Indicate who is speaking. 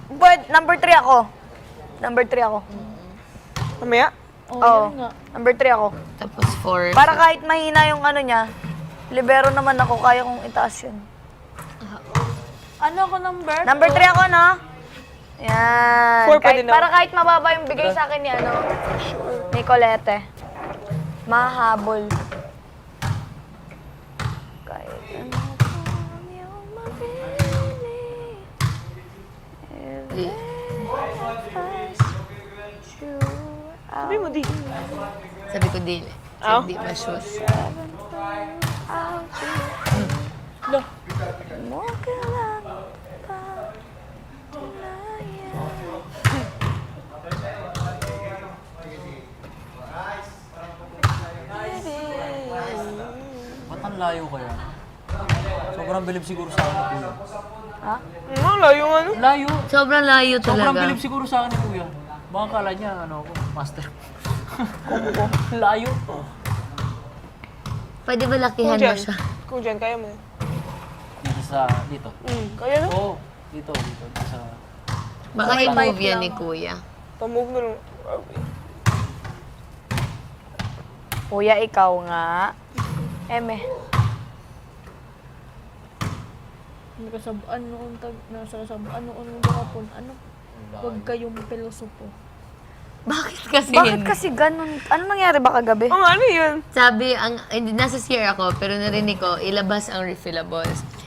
Speaker 1: But, number 3 ako. Number 3 ako.
Speaker 2: Mamaya?
Speaker 1: Oo. Number 3 ako.
Speaker 3: Tapos 4.
Speaker 1: Para kahit mahina yung ano niya, libero naman ako, kaya kong itaas yun.
Speaker 4: Ano ako number?
Speaker 1: Number 3 ako, no? Yan.
Speaker 2: 4 pwede na.
Speaker 1: Para kahit mababa yung bigay sa akin ni, ano, ni Colette. Mahabol. Kahit ano kung yung mabili.
Speaker 2: Sabi mo, di.
Speaker 3: Sabi ko dili.
Speaker 2: Aw.
Speaker 3: Hindi pa shoes.
Speaker 2: No.
Speaker 1: Mo kailan pa tunayan.
Speaker 5: Ba't ang layo kaya? Sobrang bilib siguro sa akin ni Kuya.
Speaker 1: Ha?
Speaker 2: Ano, layo nga no?
Speaker 5: Layo!
Speaker 3: Sobrang layo
Speaker 5: Sobrang
Speaker 3: talaga.
Speaker 5: bilib siguro sa akin ni Kuya. Baka kala niya, ano ako, master. Layo.
Speaker 3: Pwede ba lakihan mo siya?
Speaker 2: Kung dyan, kaya mo.
Speaker 5: Dito sa, dito.
Speaker 2: Kaya no?
Speaker 5: Oo, dito. Dito sa...
Speaker 3: Baka i-move yan ni Kuya.
Speaker 2: Pamove na lang.
Speaker 1: Kuya, ikaw nga. Eme.
Speaker 4: Nakasabaan noon, nasa sabaan noon ng kapon. Ano? Huwag kayong pilosopo.
Speaker 3: Bakit kasi
Speaker 1: Bakit
Speaker 3: yun?
Speaker 1: kasi ganun? Ano nangyari ba kagabi?
Speaker 2: Ano yun?
Speaker 3: Sabi, nasa CR ako, pero narinig ko, ilabas ang refillables.